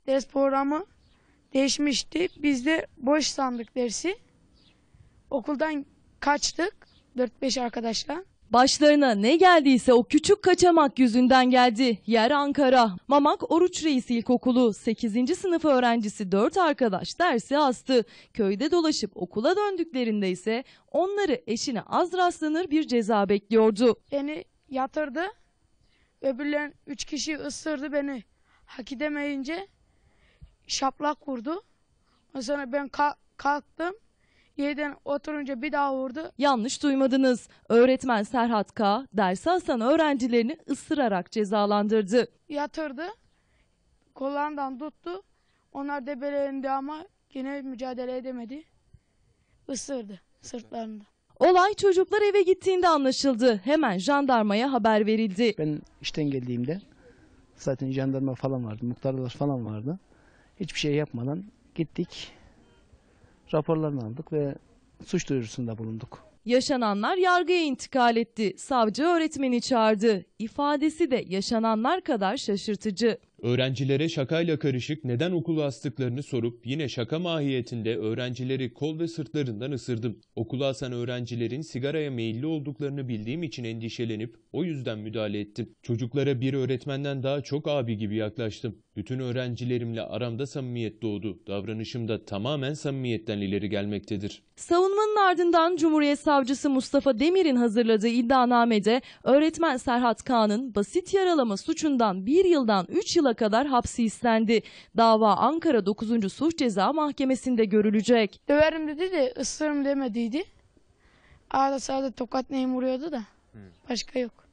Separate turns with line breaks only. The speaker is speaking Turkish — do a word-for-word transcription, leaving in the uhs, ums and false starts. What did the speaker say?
Ders programı değişmişti. Biz de boş sandık dersi. Okuldan kaçtık dört beş arkadaşla.
Başlarına ne geldiyse o küçük kaçamak yüzünden geldi. Yer Ankara. Mamak Oruç Reis İlkokulu sekizinci sınıf öğrencisi dört arkadaş dersi astı. Köyde dolaşıp okula döndüklerinde ise onları eşine az rastlanır bir ceza bekliyordu.
Beni yatırdı. Öbürlerin üç kişi ısırdı beni. Hak edemeyince şaplak vurdu. Ondan sonra ben ka- kalktım. Yerden oturunca bir daha vurdu.
Yanlış duymadınız. Öğretmen Serhat K. dersi asan öğrencilerini ısırarak cezalandırdı.
Yatırdı. Kollarından tuttu. Onlar debelendi ama yine mücadele edemedi. Isırdı sırtlarında.
Olay çocuklar eve gittiğinde anlaşıldı. Hemen jandarmaya haber verildi.
Ben işten geldiğimde zaten jandarma falan vardı, muhtarlar falan vardı. Hiçbir şey yapmadan gittik, raporlarını aldık ve suç duyurusunda bulunduk.
Yaşananlar yargıya intikal etti. Savcı öğretmeni çağırdı. İfadesi de yaşananlar kadar şaşırtıcı.
Öğrencilere şakayla karışık neden okula astıklarını sorup yine şaka mahiyetinde öğrencileri kol ve sırtlarından ısırdım. Okula asan öğrencilerin sigaraya meyilli olduklarını bildiğim için endişelenip o yüzden müdahale ettim. Çocuklara bir öğretmenden daha çok abi gibi yaklaştım. Bütün öğrencilerimle aramda samimiyet doğdu. Davranışım da tamamen samimiyetten ileri gelmektedir.
Savunmanın ardından Cumhuriyet Savcısı Mustafa Demir'in hazırladığı iddianamede öğretmen Serhat K'nın basit yaralama suçundan bir yıldan üç yıla kadar hapsi istendi. Dava Ankara dokuzuncu Suç Ceza Mahkemesi'nde görülecek.
Döverim dedi de ısırırım demediydi. Arada sırada tokat neyim vuruyordu da. Başka yok.